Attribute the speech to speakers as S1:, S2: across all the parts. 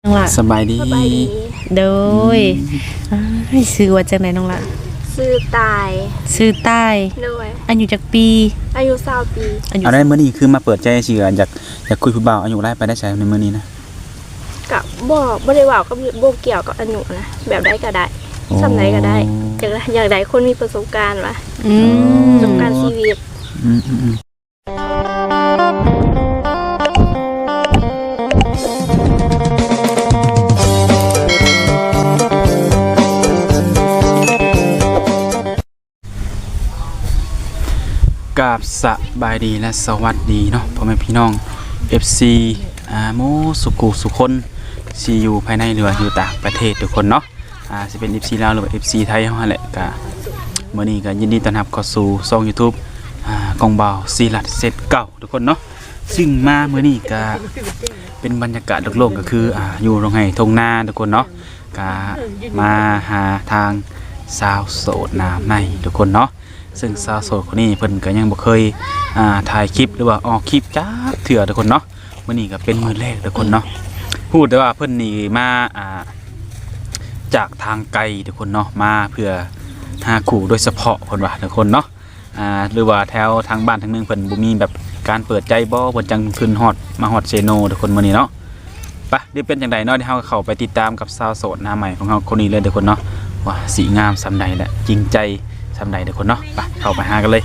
S1: ล่ะ
S2: สบายดี
S1: โดยให้ซื้อว่าจังไหนน้องล่ะ
S3: ซื้อตาย
S1: ซื้อใต้
S3: โดย
S1: อายุจักปี
S3: อายุ20 ปี
S2: เอาได้มื้อนี้คือมาเปิดใจสิอยากคุยผู้บ่าวอายุหลายไปได้ใช้ในมื้อนี้นะ
S3: กับบ่ได้ว่ากับบ่เกี่ยวกับอายุนะแบบใดก็ได้สำใดก็ได้อย่างใดคนมีประสบการณ์วะประสบการณ์ชีวิต
S2: กราบสบายดีและสวัสดีเนาะพ่อแม่พี่น้อง FC โมสุคนซีอยู่ภายในหรือว่าอยู่ต่างประเทศทุกคนเนาะสิเป็น FC ลาวหรือว่า FC ไทยเฮาแหละก็มื้อนี้ก็ยินดีต้อนรับเข้าสู่ช่อง YouTube กองบ่าวศิลัดเซตเก่าทุกคนเนาะซึ่งมามื้อนี้ก็เป็นบรรยากาศโลกๆก็คืออยู่โรงไห้ทงนาทุกคนเนาะก็มาหาทางสาวโสดหน้าใหม่ทุกคนเนาะซึ่งสาวโสดคนนี้เพิ่นก็ยังบ่เคยถ่ายคลิปหรือว่าออกคลิปจักเทื่อทุกคนเนาะมื้อนี้ก็เป็นมื้อแรกทุกคนเนาะพูดได้ว่าเพิ่นนี่มาจากทางไกลทุกคนเนาะมาเพื่อหาคู่โดยเฉพาะคนว่าทุกคนเนาะหรือว่าแถวทางบ้านทางเมืองเพิ่นบ่มีแบบการเปิดใจบ่เพิ่นจังขึ้นฮอดมาฮอดเซโนทุกคนมื้อนี้เนาะไปเดี๋ยวเป็นจังไดเนาะเดี๋ยวเฮาเข้าไปติดตามกับสาวโสดหน้าใหม่ของเฮาคนนี้เลยทุกคนเนาะว่าสีงามซำใดและจริงใจซำใดทุกคนเนาะไปเข้าไปหากันเลย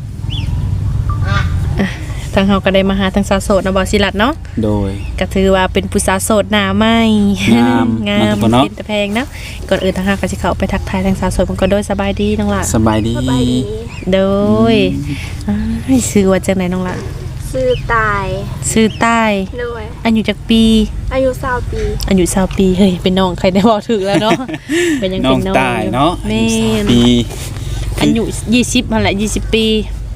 S1: ทางเฮาก็ได้มาหาทางสาวโสดนะบ่ศิลัดเนาะ
S2: โดย
S1: ก็ถือว่าเป็นผู้สาวโสดหน้าใหม่งามเป็นตะแพงเนาะก่อนอื่นทางเฮาก็สิเข้าไปทักทายทางสาวโสดมันก็โดยสบายดีน้องล่ะ
S2: สบายดี
S1: โดยให้ซื้อว่าจังไหนน้องล่ะ
S3: ซื้อตายโดย
S1: อายุจักปี
S3: อายุ20 ปี
S1: อายุ20 ปีเฮ้ยเป็นน้องใครได้บอกถึกแล้วเนาะเป็นยังเป็นน้อง
S2: ตายเนาะ
S1: แม่
S2: ปี
S1: อายุ20นั่นแหละ20 ปี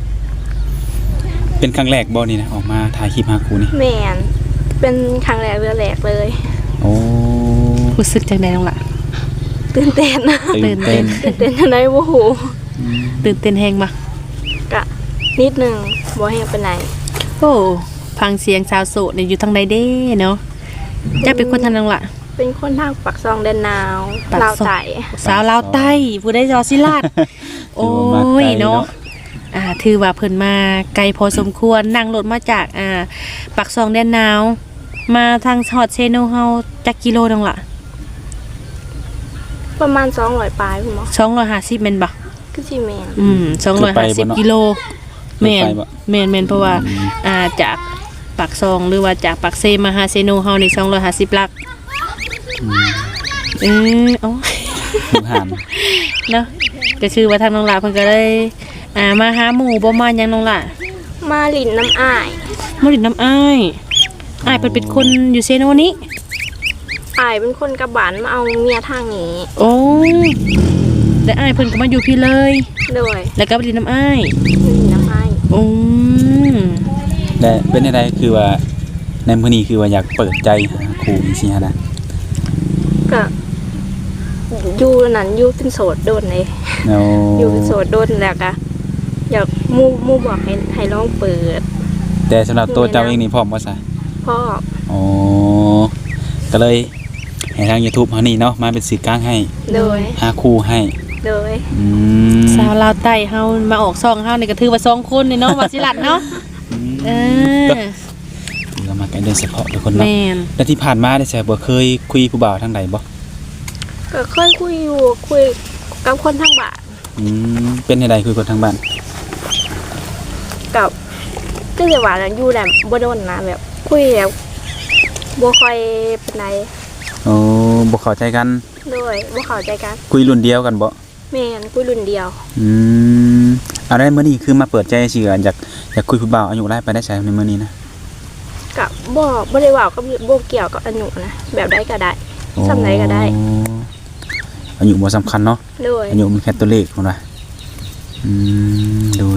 S2: เป็นครั้งแรกบ่นี่นะออกมาถ่ายคลิปหาคู่นี่
S3: แม่นเป็นครั้งแรกเลย
S2: โอ้
S1: รู้สึกจังได๋น้องล่ะ
S3: ตื่นเต้นจังได๋บ่ฮู้
S1: ตื่นเต้นแฮงบ่
S3: ก็นิดนึงบ่แฮงปานใด
S1: โอ้ฟังเสียงสาวโสดนี่อยู่ทางใดเด้เนาะจะเป็นคนทางน้องล่ะ
S3: เป็นคนทางปากซองแดนนาวลาวใต้
S1: สาวลาวใต้ผู้ใดจอศิลาดโอ้ยเนาะถือว่าเพิ่นมาไกลพอสมควรนั่งรถมาจากปากซองแดนนาวมาทางฮอดเซโนเฮาจักกิโลนึงล่ะ
S3: ประมาณ200ปลายพุ่นบ่
S1: 250แม่นบ่
S3: คือสิแม่
S1: น250กิโลแม่นเพราะว่าจากปากซองหรือว่าจากปากเซมาหาเซโนเฮานี่250ลักอ๋อเนาะก็คือว่าทางน้องหลาเพิ่นก็เลยมาหาหมู่บ่มาหยังน้องล่ะ
S3: มาหลินน้ำอ้าย
S1: เพิ่นเป็นคนอยู่เซโนนี้
S3: อ้ายเป็นคนกระบานมาเอาเมียทางนี้
S1: โอ้แต่อ้ายเพิ่นก็มาอยู่พี่เลย
S3: โดย
S1: แล้วก็ไปหลินน้ำอ้ายโอ้
S2: แต่เป็นอะไรคือว่าในมื้อนี้คือว่าอยากเปิดใจหาคู่จังซี่ฮะนะ
S3: ก็อยู่นั่นอยู่เป็นโสดโดนเลยอยู่เป็นโสดโดนแล้วก็อยากมู่บอกให้ลองเปิด
S2: แต่สำหรับตัวเจ้าเองนี่พร้อมบ่ซะ
S3: พร้อม
S2: อ๋อก็เลยให้ทาง YouTube เฮานี่เนาะมาเป็นสื่อกลางให้
S3: โดย
S2: หาคู่ให้
S3: โดย
S1: สาวลาวใต้เฮามาออกซองเฮานี่ก็ถือว่า2คนนี่เนาะว่าสิลัดเนาะ
S2: ก็มากันโดยเฉพาะทุกคนเนาะแล้วที่ผ่านมาได้ใช่บ่เคยคุยผู้บ่าวทางใดบ่
S3: ก็เคยคุยกับคนทางบ้าน
S2: เป็นจังไดคุยคนทางบ้าน
S3: กับก็จะว่าอยู่แบบบ่โดนนะแบบคุยแบบบ่ค่อยปานใด
S2: โอ้บ่เข้าใจกัน
S3: โดยบ่เข้าใจกัน
S2: คุยรุ่นเดียวกันบ่
S3: แม่นคุยรุ่นเดียว
S2: อะไรมื้อนี้คือมาเปิดใจสิอยากคุยผู้บ่าวอายุหลายไปได้ใช้ในมื้อนี้นะ
S3: ก็บ่ได้ว่ากับบ่เกี่ยวกับอายุนะแบบใดก็ได้สำใดก็ได้
S2: อายุบ่สำคัญเนาะอายุมันแค่ตัวเลขพุ่นว่าโดย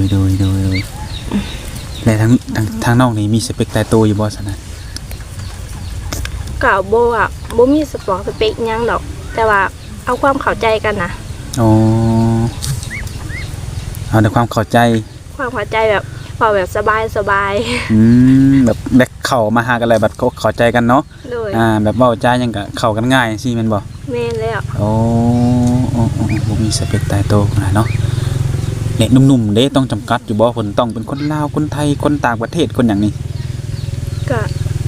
S2: และทางน้องนี่มีสเปคตายตัวอยู่บ่ซั่นน่ะ
S3: ก็บ่มีสเปคหยังดอกแต่ว่าเอาความเข้าใจกันนะ
S2: อ๋อเอาแต่ความเข้าใจ
S3: แบบเว้าแบบสบาย
S2: แบบได้เข้ามาหากันอะไรแบบเข้าใจกันเนาะ
S3: ๆโดย
S2: แบบเว้าจาหยังก็เข้ากันง่ายสิแม่นบ่
S3: แม่นแล้ว
S2: โอ้บ่มีสเปคตายตัวขนาดเนาะเด็กหนุ่มๆเด้ต้องจำกัดอยู่บ่เพิ่นต้องเป็นคนลาวคนไทยคนต่างประเทศคนหยังนี่
S3: ก็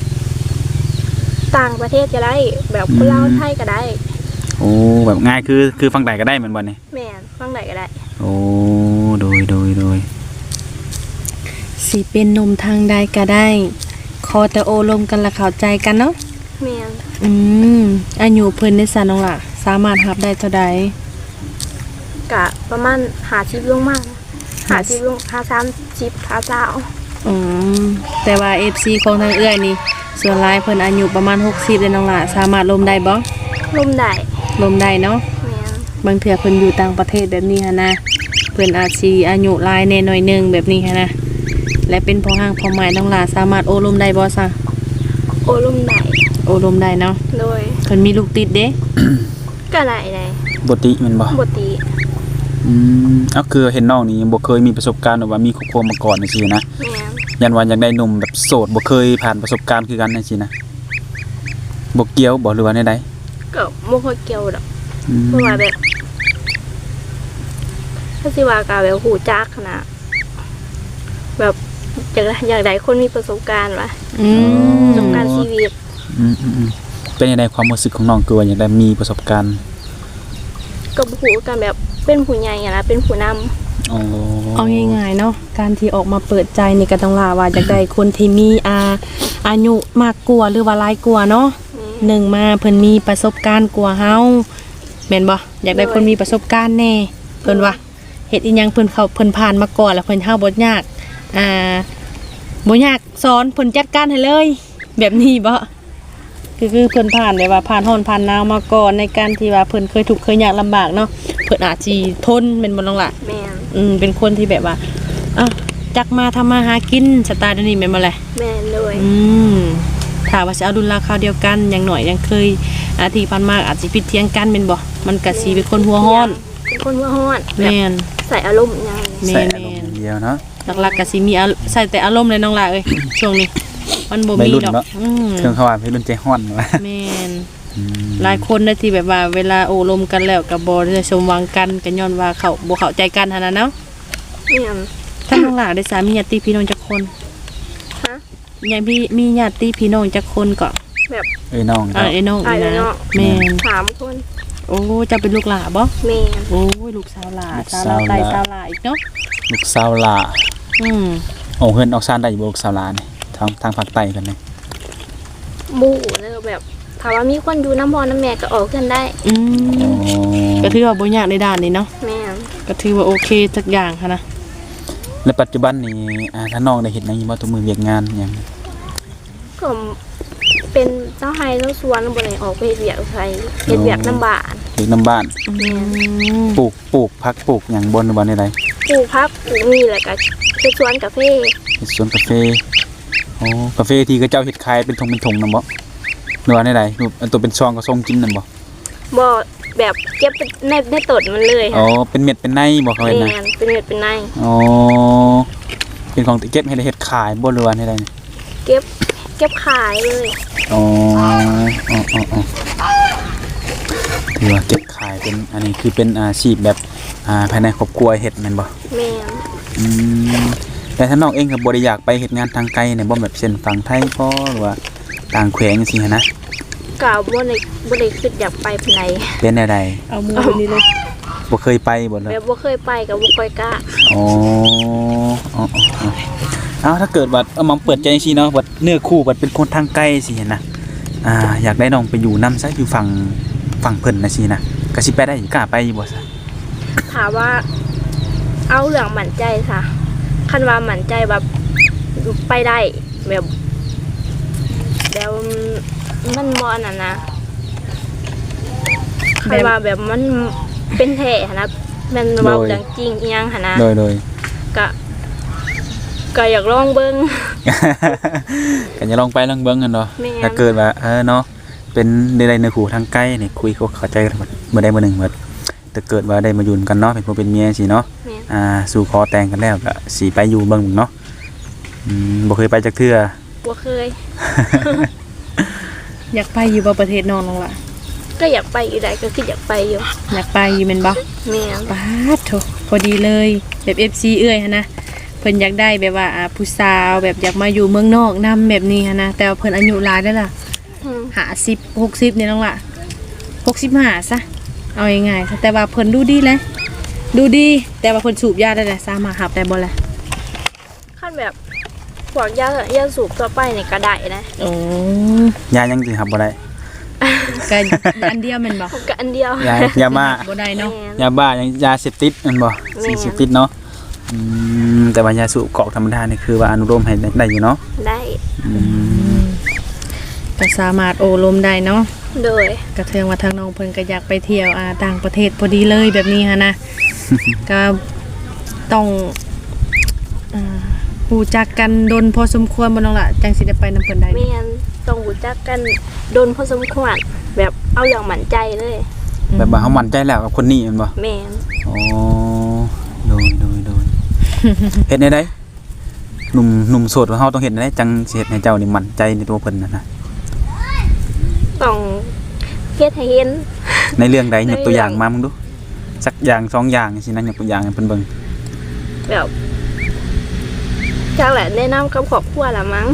S3: ต่างประเทศก็ได้แบบคนลาวไทยก็ได้
S2: โอ้แบบง่ายคือฟังใดก็ได้แม่นบ่นี่
S3: แม่นฟังใดก็ได้
S2: โอ้โดย
S1: สิเป็นหนุ่มทางใดก็ได้ขอแต่โอลมกันและเข้าใจกันเนาะ
S3: แม่น
S1: อายุเพิ่นได้ซะน้องล่ะสามารถรับได้เท่าใด
S3: ก็ประมาณ50ลงมา50ลง30 50
S1: อืมแต่ว่า FC ของทางเอื้อยนี่ส่วนหลายเพิ่นอายุประมาณ60เลยน้องล่ะสามารถลมได้บ่
S3: ลมได้
S1: ลมได้เนาะ
S3: แม่น
S1: บางเทื่อเพิ่นอยู่ต่างประเทศแบบนี้หันนะเพิ่นอาจสิอายุหลายแน่หน่อยหนึงแบบนี้หันนะและเป็นพ่อห้างพ่อหมายน้องล่ะสามารถโอลมได้บ่ซะ
S3: โอลมได้
S1: โอลมได้เนาะ
S3: โดย
S1: เพิ่นมีลูกติดเด้
S3: ก็ได้ได้
S2: บ่ติแม่นบ่
S3: บ่ติ
S2: เอาคือเห็นน้องนี่บ่เคยมีประสบการณ์หรือว่ามีครอบครัวมาก่อนจังซี่นะ
S3: แม่น
S2: ยันว่าอยากได้หนุ่มแบบโสดบ่เคยผ่านประสบการณ์คือกันจังซี่นะบ่เกี่ยวบ่หรือว่าใด
S3: ก็บ่ค่อยเกี่ยวดอก
S2: ๆอืม
S3: เพราะว่าแบบถ้าสิว่าก็แบบหูจักนะแบบอยากได้คนมีประสบการณ์วะ ประสบการณ์ชีวิต
S2: เป็นยังไงความรู้สึกของน้องคือว่าอยากได้มีประสบการณ์
S3: ก็บ่ฮู้กันแบบเป็นผู้ใหญ่อะนะเป็นผู้นำ
S2: อ๋อ
S1: เอาง่ายๆเนาะการที่ออกมาเปิดใจนี่ก็ต้องลาว่าอยากได้คนที่มีอายุมากกว่าหรือว่าหลายกว่าเนาะหนึ่งมาเพิ่นมีประสบการณ์กว่าเฮาแม่นบ่อยากได้คนมีประสบการณ์แน่เพิ่นว่าเฮ็ดอีหยังเพิ่นผ่านมาก่อนแล้วเพิ่นเฮาบ่ยากบ่ยากสอนเพิ่นจัดการให้เลย แบบนี้บ่คือเพิ่นผ่านแบบว่าผ่านร้อนผ่านหนาวมาก่อนในการที่ว่าเพิ่นเคยทุกข์เคยยากลำบากเนาะเพิ่นอาจสิทนแม่นบ่น้องล่ะ
S3: แม่น
S1: เป็นคนที่แบบว่าจักมาทำมาหากินสไตล์เดี๋ยวนี้แม่นบ่แหละ
S3: แม่นด้วย
S1: ถ้าว่าจะเอาดุลราคาเดียวกันอย่างหน่อยยังเคยที่ผ่านมาอาจสิผิดเถียงกันแม่นบ่มันก็สิเป็นคนหัวร้อน
S3: เป็นคนหัวร้อนแบบ
S1: แม่น
S3: ใส่อารมณ์อยัง
S1: แม่
S2: ใส่
S1: น
S2: อารมณ์อย่างเดียวเนาะ
S1: หลักๆก็สิมีใส่แต่อารมณ์เลยน้องล่ะเอ้ยช่วงนี้ มันบ่
S2: วัย
S1: มี
S2: รุ่น
S1: ดอก
S2: เนาะ เครื่องเขาว่าให้รุ่นใจฮ้อนว่า
S1: แม่นหลายคนได้ที่แบบว่าเวลาโอ้ลมกันแล้วก็บ่ได้สมหวังกันก็ย้อนว่าเขาบ่เข้าใจกันหั่นน่ะเนาะ
S3: แม่น
S1: ถ้าน้องล่ะได้สามีญาติพี่น้องจักคน
S3: ฮะ
S1: ยังมีญาติพี่น้องจักคนก็
S3: แบบ
S2: เอ้ยน้อง
S1: ไอ้น้อง
S3: อ้าย
S1: นี่
S3: เนาะ
S1: นะแม่น
S3: 3 คน
S1: โอ้จะเป็นลูกหลาบ่
S3: แม่น
S1: โอ้ยลูกสาวหลาสาวลาไตสาวหลาอีกเนาะ
S2: ลูกสาวหล่า
S1: อืม
S2: โอ้เฮือนออกซานได้อยู่บ่ลูกสาวหล่านี่ทางภาคใต้กันนี่
S3: บูแล้วแบบถ้าว่ามีคนอยู่น้ำพ่อน้ำแม่ก็ออกกันได้
S1: อื
S2: อ๋
S1: ม
S2: อ
S1: ก็ถือว่าบ่ยากในด้านนี้เนาะ
S3: แม่น
S1: ก็ถือว่าโอเคทุกอย่างค่ะนะ
S2: และปัจจุบันนี่ถ้าน้องได้เฮ็ดหยังอยู่บ่ตัวมือเวียกงานหยัง
S3: ก็เป็นเจ้าไห้เจ้าสวนบ่ได้ออกไปเฮ็ดเวียกไสเฮ็ดเวียกน้ำบ้าน
S2: เฮ็ดน้ำบ้าน
S1: อืม
S2: ปลูกผักปลูกหยังบนหรือบ่ใด
S3: ปลูกผักปลูกนี่แหละก็เฮ็ดสวนกาแฟ
S2: เฮ็ดสวนกาแฟโอ้กาแฟที่เขาเจ้าเฮ็ดขายเป็นธงนำบ่หรือว่าใดๆอันตัวเป็นซองก็ส่งกินนั่นบ่
S3: บ่แบบเก็บในต้นมันเลย
S2: อ๋อ
S3: ค่ะ
S2: เป็นเม็ดเป็นในบ่เขาเฮ็ด
S3: แม่
S2: นะ
S3: นเป็นเม็ดเป็นใน
S2: อ๋อเป็นของที่เก็บให้ได้เฮ็ดขายบ่หรือว่าใดๆ
S3: เก็บขายเลย
S2: อ๋อถือว่าเก็บขายเป็นอันนี้คือเป็นอาชีพแบบภายในครอบครัวเฮ็ดแม่นบ่
S3: แม่น
S2: อืมแต่ถ้าน้องเองก็บ่ได้อยากไปเฮ็ดงานทางไกลเนี่ยบ่แบบเช่นฝั่งไทยพอหรือว่าต่างแขวงจังซี่หันนะ
S3: ก็บ่ได้คิดอยากไปปานใด
S2: เป็นแนวใด
S1: เอามือนี่เลย
S2: บ่เคยไปบ่เลย
S3: แบบบ่เคยไปก็บ่ค่อยกล้า
S2: อ๋อเอาถ้าเกิดว่าเอามาเปิดใจจังซี่เนาะว่าเนื้อคู่ว่าเป็นคนทางไกลสิเห็นนะอยากได้น้องไปอยู่นำซะอยู่ฝั่งเพิ่นนะสินะก็สิไปได้กล้าไปอยู่บ่ซะ
S3: ถามว่า เอาเรื่องมั่นใจซะคันว่ามั่นใจแบบไปได้แบบแล้วมันบ่อันนั้นนะคันว่าแบบมันเป็นแท้หั้นนะมันเว้าเรื่องจริงอีหยังหั่นนะ
S2: โดย
S3: ก็อยากลองเบิ่ง
S2: ก็อย่าลองไปลองเบิ่งกันเนาะ
S3: แม่น
S2: ถ้าเกิดว่าเนาะเป็นได้เนื้อคู่ทางไกลนี่คุยเข้าใจกันบ่ได้บ่หนึงว่าถ้าเกิดว่าได้มาอยู่กันเนาะเป็นผัวเป็นเมียสิเนาะ
S3: แม่น
S2: สู่ขอแต่งกันแล้วก็สิไปอยู่เบิ่งเนาะบ่เคยไปจักเทื่อ
S3: บ่เคย
S1: อยากไปอยู่บ่ประเทศน้องน้องล่ะ
S3: ก็อยากไปอยู่ได้ก็คืออยากไปอยู่
S1: อยากไปอยู่แม่นบ่
S3: แม่น
S1: ป๊าดโถพอดีเลยแบบ FC เอ้ยหันนะเพิ่นอยากได้แบบว่าผู้สาวแบบอยากมาอยู่เมืองนอกนํแบบนี้หันนะแต่ว่าเพิ่นอายุหลายแล้วล่ะ
S3: อืม
S1: 50 60นี่น้องล่ะ65ซะเอาง่ายๆซะแต่ว่าเพิ่นดูดีเลยดูดีแต่ว่าเพิ่นสูบยาได้แหละสามารถหับได้บ่ล่ะ
S3: ขั้นแบบพวกยาสูบทั่วไปนี่ก็ได้นะ
S1: โอ้
S2: ยายังสิครับบ่ได้
S1: ก็อันเดียวแม่นบ่
S3: ก็อันเดียวย
S2: าบ้า
S1: บ่ได้เนาะ
S3: แม่น
S2: ยาบ้ายังยาเสพติดแม่นบ่สิ่งเสพติดเนาะแต่ว่ายาสูบกอกธรรมดานี่คือว่าอนุโลมให้ได้อยู่เนาะ
S3: ได้
S1: ก็สามารถโอลมได้เนาะ
S3: โดย
S1: กระเทืองว่าทางน้องเพิ่นก็อยากไปเที่ยวต่างประเทศพอดีเลยแบบนี้ฮะนะ ก็ต้องรู้จักกันดนพอสมควรบ่น้องล่ะจังสิได้ไปนำเพิ่นได้
S3: แม่นต้องรู้จักกันโดนพอสมควรแบบเอาอย่างหมั่นใจเลย
S2: แบบว่าเฮามั่นใจแล้วกับคนนี้แม่นบ่
S3: แม่น
S2: อ๋อโดย เฮ็ดได้หนุ่มโสดว่าเฮาต้องเฮ็ดได้จังสิเฮ็ดให้เจ้านี่มั่นใจในตัวเพิ่นนะ
S3: ต้องเฮ็ดให้เห็น
S2: ในเรื่องใดยกตัวอย่างมามึงดูสักอย่างสองอย่างสินะยกตัวอย่างให้เพิ่นเบิ่ง
S3: แบบจักแหละแนะนำกับครอบครัวละมั้ง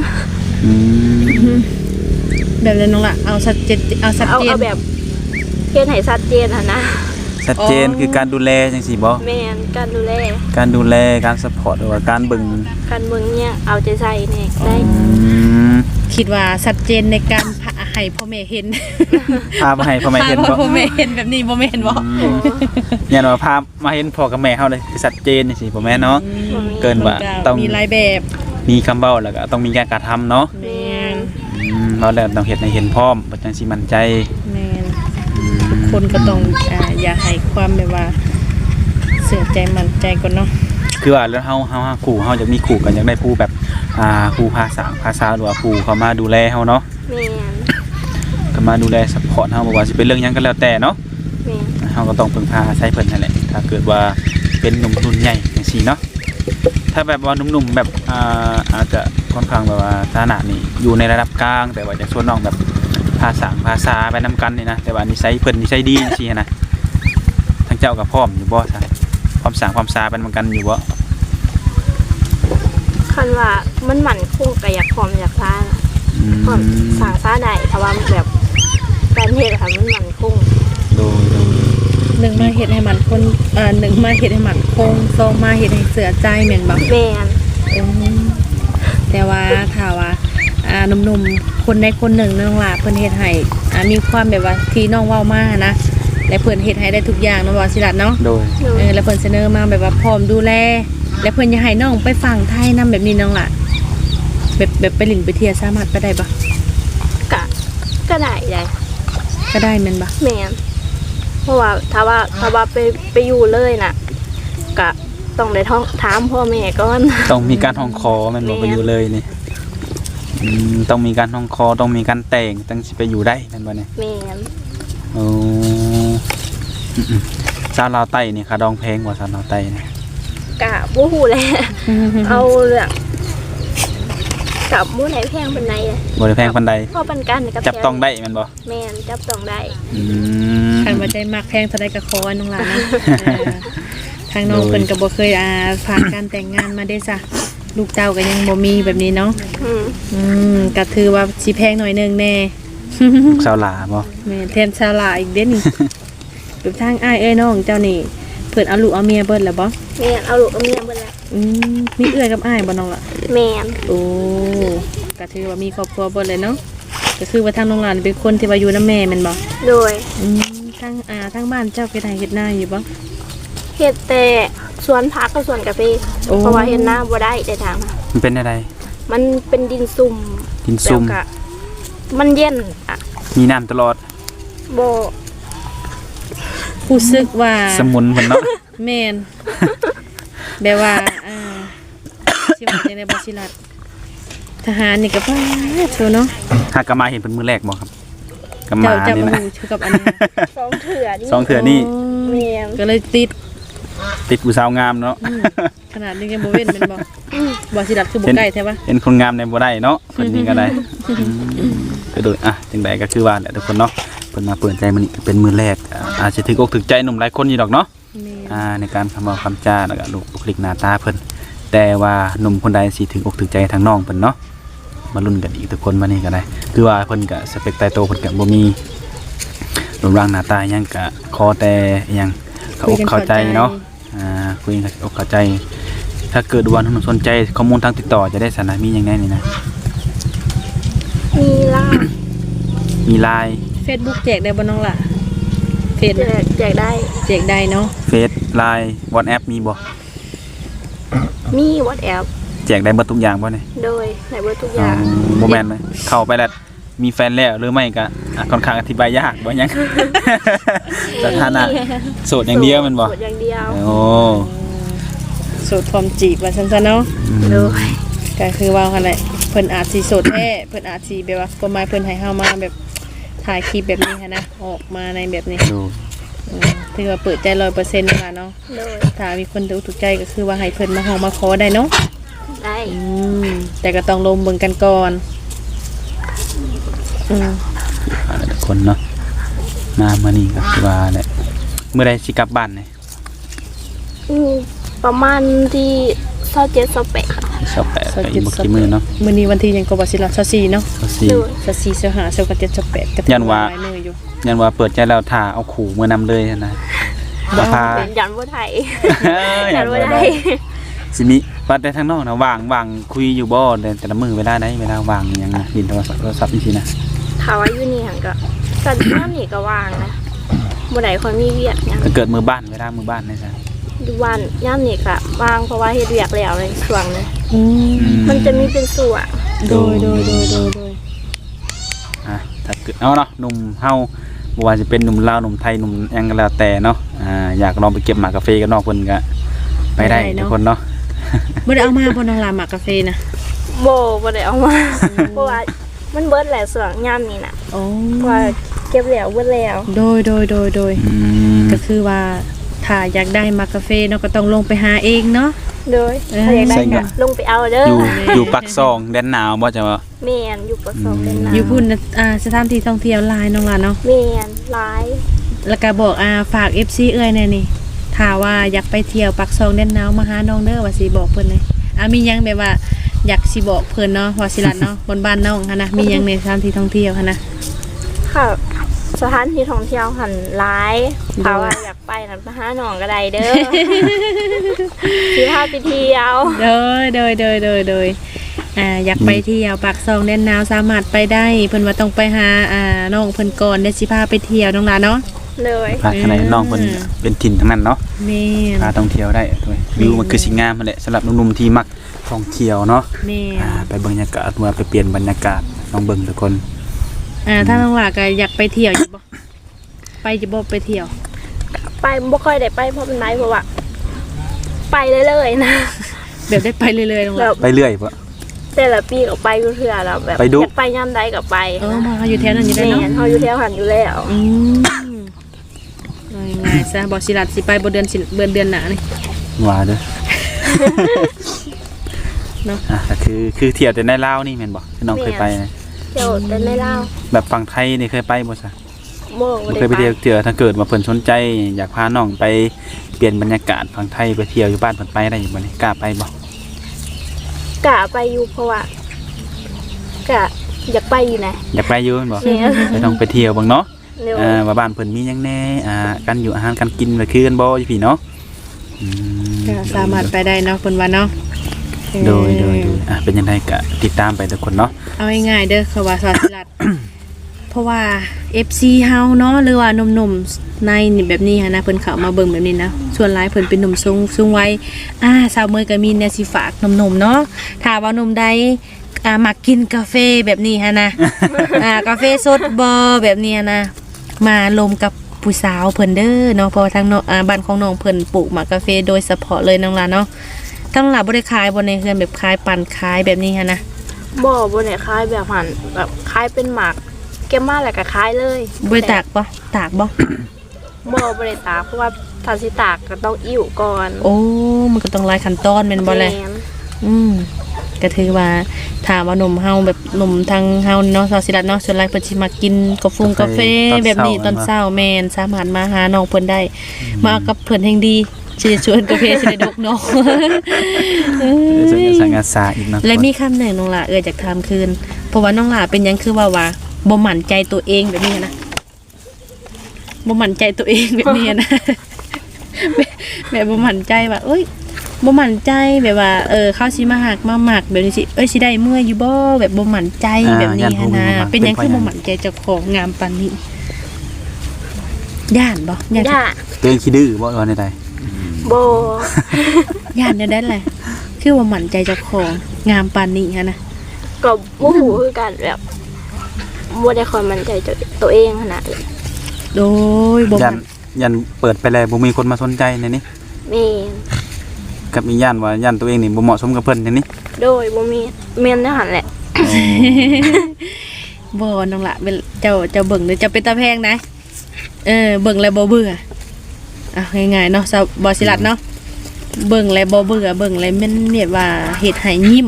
S1: แบบนั้นน้องล่ะเอาชัดเจนเอาชัด
S3: เอา
S1: เจน
S3: เอาแบบเฮ็ดให้ชัดเจนนะ
S2: ชัดเจนคือการดูแลจังซี่บ่
S3: แม่นการดูแล
S2: การดูแลการซัพพอร์ตหรือว่าการเบิ่ง
S3: การเมืองเนี่ยเอาใจใส่เนี่ยได้
S1: คิดว่าชัดเจนในการพาให้พ่อแม่เห็น
S2: พามาให้พ่อแม่เห็น
S1: พา
S2: บ่
S1: พ่อแม่เห็นแบบนี้บ่แม่นบ่
S2: เนี่ยว่าพามาเห็นพ่อกับแม่เฮาเลยคือชัดเจนจังซี่บ่แม่นเนาะเกินว่าต้อง
S1: มีหลายแบบ
S2: มีคำเว้าแล้วก็ต้องมีการกระทำเนาะ
S1: แม่น
S2: เราแล้วต้องเฮ็ดให้เห็นพร้อมบ่จังสิมั่นใจ
S1: แม่นทุกคนก็ต้องอย่าให้ความแบบว่าเสียใจมั่นใจก่อนเนาะ
S2: คือว่าแล้วเฮาขู่เฮาอยากมีขู่กันอยากได้ผู้แบบผู้ภาษาหรือว่าผู้เขามาดูแลเฮาเนาะ
S3: แม่น
S2: ก็มาดูแลซัพพอร์ตเฮาบ่ว่าสิเป็นเรื่องหยังก็แล้วแต่เนาะ
S3: แม่น
S2: เฮาก็ต้องพึ่งพาอาศัยเพิ่นนั่นแหละถ้าเกิดว่าเป็นหนุ่มรุ่นใหญ่จังซี่เนาะถ้าแบบว่าหนุ่มๆแบบอาจจะค่อนข้างแบบว่าฐานะนี่อยู่ในระดับกลางแต่ว่าจะชวนน้องแบบภาษาไปนํกันนี่นะแต่ว่านิสัยเพิ่นนิสัยดีจังซี่นะทั้งเจ้ากับพร้อมอยู่บ่ซะความสร้างความซาเป็นเหมือนกันอยู่บ่
S3: คันว่ามันหมั่นคงกับอยากพร้อมอยากซ่านะพร้อมสั่งซ่าได้แต่ว่าแบบการเฮ็ดค่ะมันหมั่นคง
S2: โดย
S1: หนึ่งมาเฮ็ดให้มันคนหนึ่งมาเฮ็ดให้มันคงสองมาเฮ็ดให้เสือใจแม่นบ่
S3: แม่น
S1: แต่ว่าถ้าว่าหนุ่มๆคนใดคนหนึ่งน้องล่ะเพิ่นเฮ็ดให้มีความแบบว่าที่น้องเว้ามานะและเพิ่นเฮ็ดให้ได้ทุกอย่างเนาะว่าสิล่ะเนาะ
S2: โดย
S1: แล้วเพิ่นเสนอมาแบบว่าพร้อมดูแลและเพิ่นอยากให้น้องไปฟังไทยนํแบบนี้น้องล่ะแบบไปหลินไปเที่ยวสามารถไปได้บ่
S3: ก็ได้
S1: ก็ได้แม่นบ่
S3: แม่นเพราะว่าถ้าว่าไปอยู่เลยน่ะก็ต้องได้ท้องถามพ่อแม่ก่อน
S2: ต้องมีการห้องคอแมันบ่ไปอยู่เลยนี่ต้องมีการห้องคอต้องมีการแต่งตั้งสิไปอยู่ได้แม่นบ่เนี่ย
S3: แม่น
S2: โอ้ชาวลาวใต้นี่ค่ะดองแพงกว่าชาวลาวใต้นี่
S3: กะบ่ฮู้แหละ เอาเรื่องกับมื้อไหนแพงปานใด
S2: บ่ได้แพงปานใด
S3: พอปันกันกับ
S2: จับต้องได้แม่นบ่
S3: แม่นจับต้องได้
S1: คันว่าใจมักแพงเท่าใดก็ขอน้องล่ะนะทางน้องเพิ่นก็บ่เคยผ่านการแต่งงานมาได้จ้ะลูกเต้าก็ยังบ่มีแบบนี้เนาะ ก็ถือว่าสิแพงหน่อยนึงแน่
S2: ชาวลาบ่
S1: แม่แทนชาลาอีกเด้นี่ แบบทางอ้ายเอ้ยน้องเจ้านี่เพิ่นเอาลูกเอาเมียเบิดแล้วบ่
S3: แม่นเอาลูกเอาเมียเบิดแล้ว
S1: มีเอื้อยกับอ้ายบ่น้องล่ะ
S3: แม่น
S1: โอ้ก็ถือว่ามีครอบครัวเบิดเลยเนาะก็คือว่าทางน้องหลานเป็นคนที่ว่าอยู่นำแม่แม่นบ่
S3: โดย
S1: ทางบ้านเจ้าเฮ็ดไร่เฮ็ดนาอยู่บ่
S3: เฮ็ดแต่สวนผักกับสวนกาแฟ
S1: โอ้
S3: เพราะว่าเฮ็ดนาบ่ได้ได้ทางมา
S2: มันเป็นอะไร
S3: มันเป็นดินซุ่ม
S2: ดินซุ่ม
S3: แล้วก็มันเย็นอ่ะ
S2: มีน้ำตลอด
S3: บ่
S1: รู้สึกว่า
S2: สมุนเพิ่นเนาะ
S1: แม่นแบบว่าสิว่าจังได๋บ่สิรัดทหารนี่ก็ป้าโซเนาะ
S2: หากกมาเห็นเพิ่นมื้อแรกบ่ครับกมา
S1: เจ้า
S2: นี่
S1: บ่
S2: นะ
S1: รู้ชื่อกับอันนั้น
S3: สองเถื่อนี่
S2: สองเถื่อนี่
S3: แม่น
S1: ก็เลยติด
S2: ติดผู้สาวงามเนาะ
S1: ขนาดนี้ยังบ่เว้นแม่นบ่บ่สิรัดคือบ่ใกล้แท้ปะ
S2: เป็นคนงามในบ่ได้เนาะคนนี้ก็ได้ก็โดยจังใดก็คือว่าแหละทุกคนเนาะเพิ่นมาเปิดใจมื้อนี้เป็นมื้อแรกอาจจะถึกอกถึกใจหนุ่มหลายคนอยู่ดอกเนาะ
S1: แม่น
S2: ในการคำว่าคำจาแล้วก็ลูกบุคลิกหน้าตาเพิ่นแต่ว่าหนุ่มคนใดสิถึงอกถึงใจทางน้องเพิ่นเนาะมาลุ้นกันอีกทุกคนมานี่ก็ได้คือว่าเพิ่นก็สเปคตายโตเพิ่นก็บ่มีรูปร่างหน้าตาหยังก็ขอแต่หยังเข้าอกเข้าใจเนาะคุยกันเข้าอกเข้าใจ ถ้าเกิดว่าหนุ่มสนใจข้อมูลทางติดต่อจะได้สานะมีหยังแน่นี่นะ
S3: มีล่า
S2: มี LINE
S1: Facebook แจกได้บ่น้องล่ะเฟซ
S3: แจกได้
S1: แจกได้เนาะ
S2: เฟซ LINE WhatsApp มีบ่
S3: มีWhatsApp
S2: แจกได้เบิดทุกอย่างบ่เนี่ย
S3: โดยในเบอร์ทุกอย่าง
S2: บ่แม่นเลยเข้าไปแล้วมีแฟนแล้วหรือไม่ก็ค่อนข้างอธิบายยากบ่หยัง สถานะโสดอย่างเดียวแมันบ่
S3: โสดอย่างเดียว
S2: โอ้
S1: โสดพร้อมจีบว่าซั่นๆเนาะ
S3: โดย
S1: ก็คือว่าคั่นแหละเพิ่นอาจสิโสดแท้เพิ่นอาจสิแบบว่าประมาณเพิ่นให้เฮามาแบบถ่ายคลิปแบบนี้หันนะออกมาในแบบนี้
S2: ดู
S1: ถือว่าเปิดใจ 100% นั่นล่ะเนาะ
S3: โดย
S1: ถ้ามีคนถูกใจก็คือว่าให้เพิ่นมาห้องมาขอได้เนาะ
S3: ได้
S1: แต่ก็ต้องลงเบิ่งกันก่อนอืม
S2: ทุกคนเนาะมามื้อนี้ก็คือว่าแหละเมื่อใดสิกลับบ้านเนี่ย
S3: ประมาณที่27-28
S2: 28ก็อีกบ่กี่มื้อเนาะ
S1: มื้อนี้วันที่หยังก็บ่สิล่ะ24เนาะ
S2: ก็สิ
S3: โดย
S1: 24 25 27 28ก็
S2: ยันว่า
S1: หลยมื้ออยู่
S2: ยันว่าเปิดใจแล้วถ้าเอาขู่มื้อนำเลยนะบ่พา
S3: ยันบ่ไทย
S2: ยั
S3: ยั
S2: น
S3: น
S2: บ่
S3: บ่
S2: ได้
S3: ได้
S2: สิมีว่าแต่ทางนอกนะว่างคุยอยู่บ่แต่ละมื้อเวลาใดเวลาว่างอิหยังนะดินโทรศัพท์จังซี่นะ
S3: ถ้าว่าอยู่นี่หั่นก็สันน้ำนี่ก็ว่างนะบ่ได้ค่อยมีเวียกหยัง
S2: ถ้าเกิดมือบ้านเวลามือบ้านนี่ซะ
S3: อยู่บ้านย่ามนี่ก็ว่างเพราะว่าเฮ็ดเวียกแล้วในช่วงนี้
S1: อืม
S3: มันจะมีเป็นส่วน
S1: โดย
S2: ถ้าเกิดเอาเนาะหนุ่มเฮาบ่ว่าจะเป็นหนุ่มลาวหนุ่มไทยหนุ่มหยังก็แล้วแต่เนาะอยากลองไปเก็บหมากกาแฟกับน้องเพิ่นก็ไปได้ทุกคนเนาะ
S1: บ่ได้เอามาบ่น้องลาหมากกาแฟนะ
S3: บ่ได้เอามาเพราะว่ามันเบิดแหละส่วนย่ามนี่น่ะ
S1: โอ้
S3: เพราะว่าเก็บแล้วเบิดแล้ว
S1: โดยก็คือว่าถ้าอยากได้หมากกาแฟเนาะก็ต้องลงไปหาเองเนาะ
S3: โดยถ้าอยากได้ก็ลงไปเอาเด้อ
S2: อยู่ปักซองแดนหนาวบ่จะว่า
S3: แม่นอยู่ประสบเป็นนะ
S1: อยู่พุ่นน่ะสถานที่ท่องเที่ยวหลายน้องล่ะเนาะ
S3: แม่นหลาย
S1: แล้วก็บอกฝาก FC เอ้ยแน่นี่ถ้าว่าอยากไปเที่ยวปักซองแดนหนาวมาหาน้องเด้อว่าสิบอกเพิ่นเลยมีหยังแบบว่าอยากสิบอกเพิ่นเนาะว่าสิลัดเนาะบนบ้านน้องหั่นนะมีหยังในสถานที่ท่องเที่ยวหั่นนะ
S3: ค่ะสถานที่ท่องเที่ยวหันหลายถ้าว่าอยากไปนั่นไปหาหนองก็ได้เด้อ สิพาไปเที่ยว
S1: โดยอยากไปเที่ยวปากซองแดนหนาวสามารถไปได้เพิ่นว่าต้องไปหาน้องเพิ่นก่อนเดี๋ยวสิพาไปเที่ยวน้องหลานเนาะ
S3: เลย
S2: พาข้างในน้องเพิ่นเป็นถิ่นทั้งนั้นเนาะ
S1: แม่น
S2: พาท่องเที่ยวได้ด้วยวิวมันคือสิงามนั่นแหละสำหรับหนุ่มๆที่มักท่องเที่ยวเนาะ
S1: แม่น
S2: ไปเบิ่งบรรยากาศว่าไปเปลี่ยนบรรยากาศลองเบิ่งทุกคน
S1: ถ้าน้องหลานก็อยากไปเที่ยวอยู่บ่ไปจะบ่ไปเที่ยว
S3: ไปบ่ค่อยได้ไปเพราะมันไหนเพราะว่าไปเรื่อยๆนะ
S1: แบบได้ไปเรื่อยๆน้องห
S3: แบ
S1: ลาน
S3: บ
S2: ไปเรื่อยบ่
S3: แต่ละปีก็ไปอยู่เทื่อแล้วแบบ
S2: ไปดู
S3: อยากไปย่ำใดก็ไป
S1: มาอยู่แถวนั้นอยู่ได้
S3: แม่
S1: เนาะ
S3: นเฮาอยู่แถวหันอยู่แล้ว
S1: ง่ายๆซะบ่สิลัดสิไปบ่เดือนหน้านี่
S2: ว่าเด้อ
S1: เนาะ
S2: ก็คือเที่ยวแต่ในลาวนี่แม่นบ่ที่น้องเคยไปนะ
S3: เที่ยวแต่ในลาว
S2: แบบฝั่งไทยนี่เคยไปบ่ซะ
S3: บ่
S2: บ่
S3: ได้
S2: เคยไป
S3: ไป
S2: เที่ยวเที่ยวถ้าเกิดว่าเพิ่นสนใจอยากพาน้องไปเปลี่ยนบรรยากาศฝั่งไทยไปเที่ยวอยู่บ้านเพิ่นไปได้อยู่บ่นี่กล้าไปบ่
S3: กะไปอยู่เพราะว่ากะอยากไปอยู่นะ
S2: อยากไปอยู่แม่นบ่
S3: แม่น
S2: ไปต้องไปเที่ยวเบิ่งเนาะ
S3: เร็ว
S2: ว่าบ้านเพิ่นมีหยังแหน่การอยู่อาหารการกินก็คือกันบ่อยู่พี่เนาะ
S1: ก็สามารถไปได้เนาะเพิ่นว่าเนาะ
S2: โดยเป็นยังไงก็ติดตามไปทุกคนเนาะ
S1: เอาง่ายๆเด้อคือว่าสวัสดิรัต เพราะว่า FC เฮาเนาะหรือว่าหนุ่มๆในนี่แบบนี้ฮะนะเพิ่นเข้ามาเบิ่งแบบนี้นะส่วนหลายเพิ่นเป็นหนุ่มสูงวัยสาวเมยก็มีแนวสิฝากหนุ่มๆเนาะถ้าว่าหนุ่มใดมักกินกาแฟแบบนี้ฮะนะ กาแฟสดบ่แบบนี้นะมาลมกับผู้สาวเพิ่นเด้อเนาะเพราะว่าทางบ้านของน้องเพิ่นปลูกหมากกาแฟโดยเฉพาะเลยน้องหลานเนาะทั้งหลายบ่ได้ขายบ่ในเฮือนแบบขายปั่นขายแบบนี้ฮะนะ
S3: บ่บ่ได้คล้ายแบบหันแบบคล้ายเป็นหมากเก็บมาแล้วก็คล้ายเลย
S1: บ่ได้ตากบ่ตากบ่
S3: บ่ได้ตากเพราะว่าถ้าสิตากก็ต้องอิ่วก่อน
S1: โอ้มันก็ต้องหลายขั้นตอนแม่นบ่แล
S3: แม่น
S1: ก็ถือว่าถามว่าหนุ่มเฮาแบบหนุ่มทางเฮาเนาะซอสิรัตเนาะส่วนหลายเพิ่นสิมากินกาแฟแบบนี้ตอนเช้าแม่นสามารถมาหาน้องเพิ่นได้มาเอากับเพิ่นแห่งดีสิได้ชวนกาแฟสิได้ดกเนาะ
S2: จะสังอาสาอีกเนาะ
S1: และมีคำหนึ่งน้องหล่ะอยากถามคืนเพราะว่าน้องหล่ะเป็นหยังคือว่าบ่มั่นใจตัวเองแบบนี้นะบ่มั่นใจตัวเองแบบนี้นะ แบบบ่มั่นใจว่าเอ้ยบ่มั่นใจแบบว่าเขาสิมาหักมาหมักแบบนี้สิสิได้เมื่ออยู่บ่แบบบ่มั่นใจแบบนี้หันนะเป็นหยังคือบ่มั่นใจเจ้าของงามปานนี้ย่านบ่ย่าน
S3: ย่า
S2: ตัวเองขี้ดื้อบ่ว่าได้
S3: บ่
S1: ย่านได้แหละคือว่ามั่นใจเจ้าของงามปานนี้หันนะ
S3: ก็บ่ฮู้คือกันแบบบ่ได้ค่อยมั่นใจตัวเองขนาดนั้น
S1: โดยบ่
S2: ยั
S1: มั่
S2: น
S1: น
S2: ยันเปิดไปแล้วบ่มีคนมาสนใจในนี้
S3: แม่น
S2: กับอีย่านว่าย่านตัวเองนี่บ่เหมาะสมกับเพิ่นในนี้
S3: โดยบ่มีแม่นแนวหันแหละ
S1: บ่น้องละเป็นเจ้าเบิ่งหรือเจ้าเป็นตาแพงนะเบิ่งแล้วบ่เบื่ออ่ะง่ายๆเนาะบ่สิรัดเนาะเบิ่งแล้วบ่เบื่อเบิ่งแล้วมันแบบว่าเฮ็ดให้ยิ้ม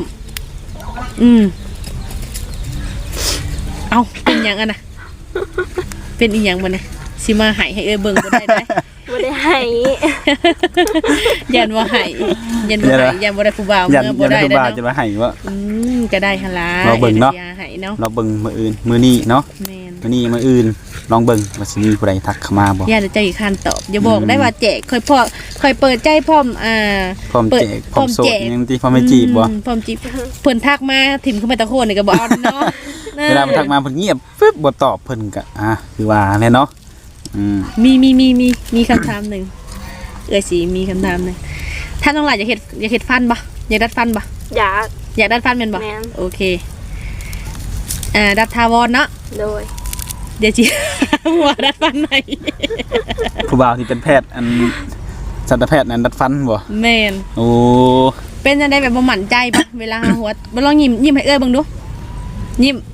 S1: เอาเป็นหยังอะนะเป็นอีหยังบ่เนี่ยสิมาให้เบิ่งบ่ได้ได้
S3: บ่ได้ให้
S1: ยันว่าให้ยันบ่ให้ยันบ่ได้ผู้บ่าว
S2: ยัน
S1: เมื่อบ่ได้
S2: ยัน
S1: เด้
S2: บา
S1: อ
S2: จะ
S1: เนาะ
S2: มาให้ว่า
S1: ก็ได้หั่นล่ะ
S2: เราเบิ่งเนาะ
S1: อย่ให้เนาะ
S2: เราเบิ่งมื้ออื่นมื้อนี้เนาะ
S1: แม่น
S2: มื้อนี้มื้ออื่นลองเบิ่งว่าสิมีผู้ใดทักเข้ามาบ่
S1: ย่าจะใจอีกคันตอบอย่าบอกได้ว่าแจกค่อยเปิดใจพร้อม
S2: พร้อม
S1: เปิด
S2: แจกพร้อมโส
S1: แจ
S2: ด
S1: ก
S2: ยังที่พร้อมไม่จีบบ่
S1: พร้อมจีบเพิ่นทักมาถิ่มขึ้นไปตะโคนนี่ก็บ่เอาเนาะ
S2: เวลามันทักมาเพิ่นเงียบปึ๊บบ่ตอบเพิ่นก็คือว่าแน่เนาะ
S1: มีคำถามหนึ่งสิมีคำถามหนึ่งถ้าน้องหลายอยากเฮ็ดฟันบ่อยากดัดฟันบ่
S3: อยาก
S1: ดัดฟันแม่นบ่
S3: แม่น
S1: โอเคดัดทาวรเนาะ
S3: โดย
S1: เดี๋ยวจิ หัวดัดฟันไหน
S2: ผู้บ่าวที่เป็นแพทย์อันสัตวแพทย์นั้นดัดฟันบ่
S1: แม่น
S2: โอ้
S1: เป็นจังได๋แบบบ่มั่นใจบ่เวลาหาหัวบ่ลองยิ้มให้เบิ่งดูยิ้ม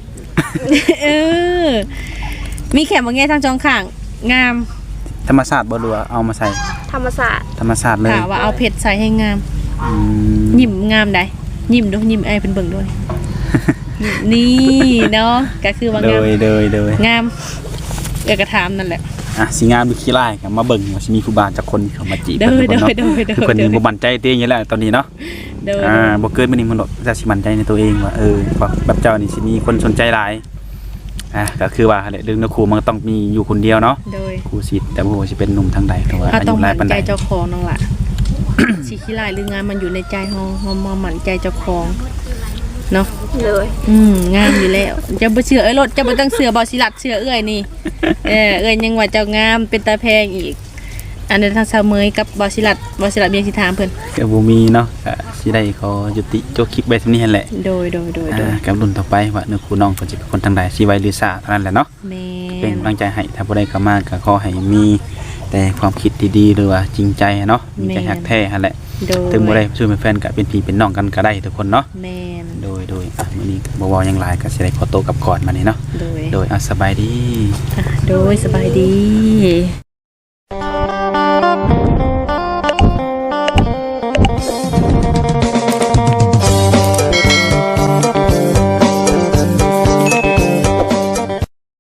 S1: มีแขนบ่แง่ทางจองข้างงาม
S2: ธรรมชาติบ่หรือว่าเอามาใส่
S3: ธรรมศาสตร์
S2: ธรรมชาติเลย
S1: ถามว่าเอาเพชรใส่ให้งาม
S2: อืม
S1: ยิ้มงามได้ยิ้มดูยิ้มไอ้เพิ่นเบิ่งด้วย นี่เนาะก็คือว่า
S2: โด
S1: งาม
S2: ย
S1: งามกระถามนั่นแหละ
S2: สิงามดูขี้ร้ายก็มาเบิ่งว่าสิมีผู้บ่าวจักคนเข้ามาจีบ
S1: โดย
S2: เพิ่นเนาะ
S1: โดย
S2: คือเพิ่นนี่บ่มั่นใจตัวเองอยู่แล้วตอนนี้เนาะ
S1: โดย
S2: บ่เกินมื้อนี้มันจะสิมั่นใจในตัวเองว่าแบบเจ้านี่สิมีคนสนใจหลายก็คือว่าแหละเรื่องนักครูมันก็ต้องมีอยู่คนเดียวเนาะ
S1: โดย
S2: ครูสิทธิ์แต่บ่ว่าสิเป็นหนุ่มทางใดก็ว่า
S1: เฮา
S2: อา
S1: ต้อ
S2: ยุ
S1: ง
S2: หลาย
S1: มั่น
S2: ปาน
S1: ใจ
S2: ใด
S1: เจ้าของน้องล่ะ สิขี้ลายหรืองามมันอยู่ในใจเฮามั่นใจเจ้าของเนาะ
S3: เลย
S1: งามอยู่แล้วจะบ่เชื่อรถจะบ่ต้องเชื่อบ่สิรัดเชื่อนี่เอ้ยยังว่าเจ้างามเป็นตาแพงอีกอันนั้นทางสาวเมยกับบ่สิรัดเมียสิถามเพิ่น
S2: ก็บ่มีเนาะก็สิได้ขอยุติโจกคลิปไว้เท่านี้หั่นแหละ
S1: โดย
S2: กับรุ่นต่อไปว่าเนื้อคู่น้องเพิ่นสิเป็นคนทางใดสิไว้หรือซ่าเท่านั้นแหละเนาะ
S1: แม่
S2: เป็น
S1: น
S2: กำลังใจให้ถ้าผู้ใดเข้ามาก็ขอให้มีแต่ความคิดดีๆหรือว่าจริงใจเนาะมีใจฮักแท้หั่นแหละ
S1: โดย
S2: ถึงบ่ได้ช่วยเป็นแฟนก็เป็นพี่เป็นน้องกันก็ได้ทุกคนเนาะ
S1: แม่น
S2: โดยมื้อนี้บ่เว้าหยังหลายก็สิได้ขอตัวกลับก่อนมานี่เนาะ
S1: โดย
S2: โดยสบายดี
S1: โดยสบายดี